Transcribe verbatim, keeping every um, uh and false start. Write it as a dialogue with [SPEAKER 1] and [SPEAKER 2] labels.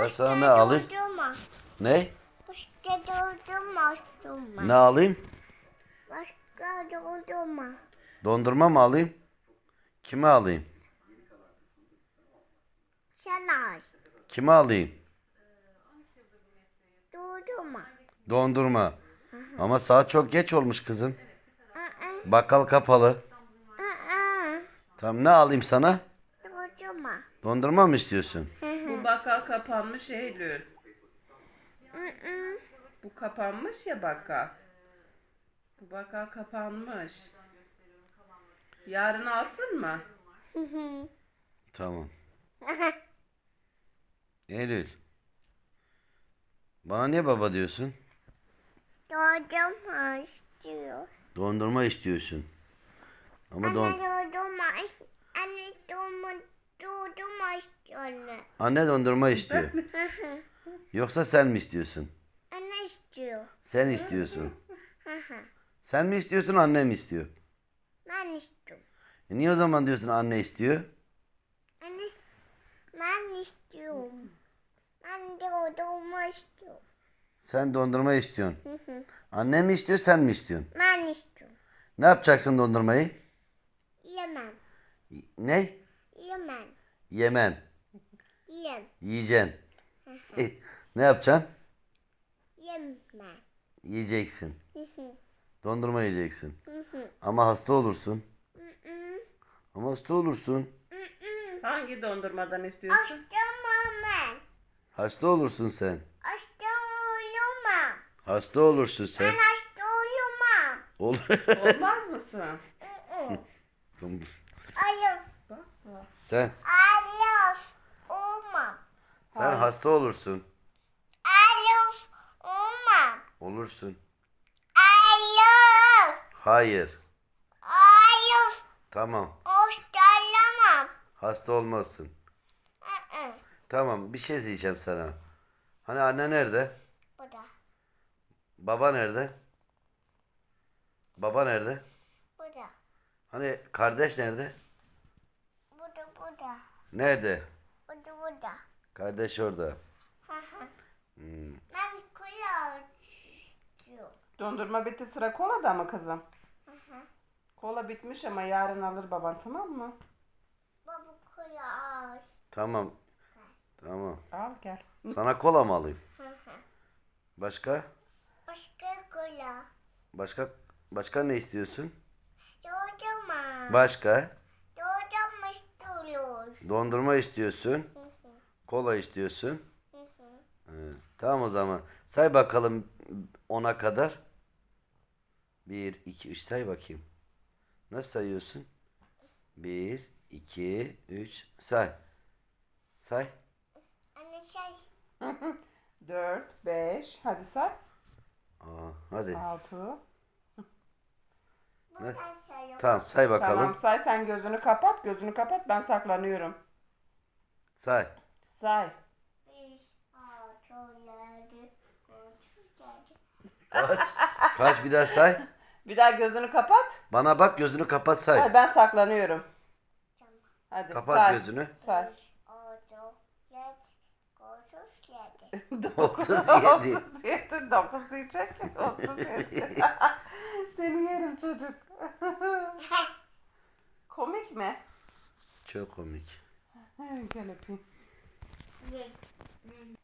[SPEAKER 1] Ben sana ne alayım?
[SPEAKER 2] Dondurma.
[SPEAKER 1] Ne?
[SPEAKER 2] Başka dondurma istiyorum.
[SPEAKER 1] Ne alayım?
[SPEAKER 2] Başka dondurma.
[SPEAKER 1] Dondurma mı alayım? Kime alayım?
[SPEAKER 2] Sana
[SPEAKER 1] Kime alayım?
[SPEAKER 2] dondurma.
[SPEAKER 1] Dondurma. Ama saat çok geç olmuş kızım.
[SPEAKER 2] Aa,
[SPEAKER 1] Bakkal kapalı.
[SPEAKER 2] aa,
[SPEAKER 1] Tamam, ne alayım sana?
[SPEAKER 2] dondurma.
[SPEAKER 1] Dondurma mı istiyorsun?
[SPEAKER 3] Bu bakkal kapanmış Eylül. Bu kapanmış ya bakkal. Bu bakkal kapanmış. Yarın alsın mı?
[SPEAKER 1] Tamam. Eylül. Bana niye baba diyorsun?
[SPEAKER 2] Dondurma istiyor.
[SPEAKER 1] Dondurma istiyorsun. Ama don
[SPEAKER 2] Anne dondurma. is- Anne dondurma, dondurma istiyor anne.
[SPEAKER 1] Anne dondurma istiyor. Yoksa sen mi istiyorsun?
[SPEAKER 2] Anne istiyor.
[SPEAKER 1] Sen istiyorsun. Sen mi istiyorsun, anne mi istiyor?
[SPEAKER 2] Ben istiyorum.
[SPEAKER 1] E niye o zaman diyorsun anne istiyor?
[SPEAKER 2] Anne, ben istiyorum. Ben dondurma istiyorum.
[SPEAKER 1] Sen dondurma istiyorsun. Anne mi istiyor, sen mi istiyorsun?
[SPEAKER 2] Ben istiyorum.
[SPEAKER 1] Ne yapacaksın dondurmayı?
[SPEAKER 2] Yemem.
[SPEAKER 1] Ne?
[SPEAKER 2] Yemem.
[SPEAKER 1] Yemen.
[SPEAKER 2] Yem.
[SPEAKER 1] Yiyeceksin. Ne yapacaksın?
[SPEAKER 2] Yemem.
[SPEAKER 1] Yiyeceksin. Dondurma yiyeceksin. Ama hasta olursun. Ama hasta olursun.
[SPEAKER 3] Hangi dondurmadan istiyorsun?
[SPEAKER 2] Açtım ben.
[SPEAKER 1] Hasta olursun sen.
[SPEAKER 2] Açtım uyuma.
[SPEAKER 1] Hasta olursun
[SPEAKER 2] Ben
[SPEAKER 1] sen.
[SPEAKER 2] açtım uyuma.
[SPEAKER 1] Olur.
[SPEAKER 3] Olmaz mısın?
[SPEAKER 2] Ayıp.
[SPEAKER 3] Bak bak.
[SPEAKER 1] sen
[SPEAKER 2] Ayıp. Olma.
[SPEAKER 1] sen hasta olursun.
[SPEAKER 2] Ayıp. Olma.
[SPEAKER 1] Olursun.
[SPEAKER 2] Ayıp.
[SPEAKER 1] Hayır.
[SPEAKER 2] Ayıp.
[SPEAKER 1] Tamam.
[SPEAKER 2] Hoşlanamam.
[SPEAKER 1] Hasta olmazsın.
[SPEAKER 2] Hı-hı.
[SPEAKER 1] Tamam, bir şey diyeceğim sana. Hani anne nerede?
[SPEAKER 2] Bu da.
[SPEAKER 1] Baba nerede? Baba nerede?
[SPEAKER 2] Bu da.
[SPEAKER 1] Hani kardeş nerede?
[SPEAKER 2] Bu da. Bu da.
[SPEAKER 1] Nerede?
[SPEAKER 2] Bu da. Bu da.
[SPEAKER 1] Kardeş orada.
[SPEAKER 2] Hı-hı. Ben kola istiyorum.
[SPEAKER 3] Dondurma bitti, sıra kolada mı kızım? Kola bitmiş ama yarın alır baban, tamam mı?
[SPEAKER 2] Baba kola al.
[SPEAKER 1] Tamam. Tamam.
[SPEAKER 3] Al gel.
[SPEAKER 1] Sana kola mı alayım? Başka?
[SPEAKER 2] Başka kola.
[SPEAKER 1] Başka başka ne istiyorsun?
[SPEAKER 2] Dondurma.
[SPEAKER 1] Başka?
[SPEAKER 2] Dondurma istiyoruz.
[SPEAKER 1] Dondurma istiyorsun. Kola istiyorsun. Evet. Tamam o zaman. Say bakalım ona kadar. Bir, iki, üç say bakayım. Nasıl sayıyorsun? Bir, iki, üç say. Say.
[SPEAKER 2] Anne şey.
[SPEAKER 3] Dört, beş, hadi say.
[SPEAKER 1] Aa, hadi.
[SPEAKER 3] Altı.
[SPEAKER 2] Buradan sayıyorum.
[SPEAKER 1] Tamam say bakalım.
[SPEAKER 3] Tamam say, sen gözünü kapat, gözünü kapat, ben saklanıyorum.
[SPEAKER 1] Say.
[SPEAKER 3] Say.
[SPEAKER 2] Beş, altı, yedi, sekiz, yedi.
[SPEAKER 1] Kaç? Kaç bir daha say.
[SPEAKER 3] Bir daha gözünü kapat.
[SPEAKER 1] Bana bak, gözünü kapat say.
[SPEAKER 3] Hayır, ben saklanıyorum. Hadi
[SPEAKER 1] Kapat
[SPEAKER 3] say.
[SPEAKER 1] gözünü.
[SPEAKER 3] Say.
[SPEAKER 2] Altı, yedi, otuz yedi.
[SPEAKER 1] otuz yedi.
[SPEAKER 3] otuz yedi. dokuz diyecek. otuz yedi. Seni yerim çocuk. Komik mi?
[SPEAKER 1] Çok komik.
[SPEAKER 3] Gel öpeyim.
[SPEAKER 2] Yedi.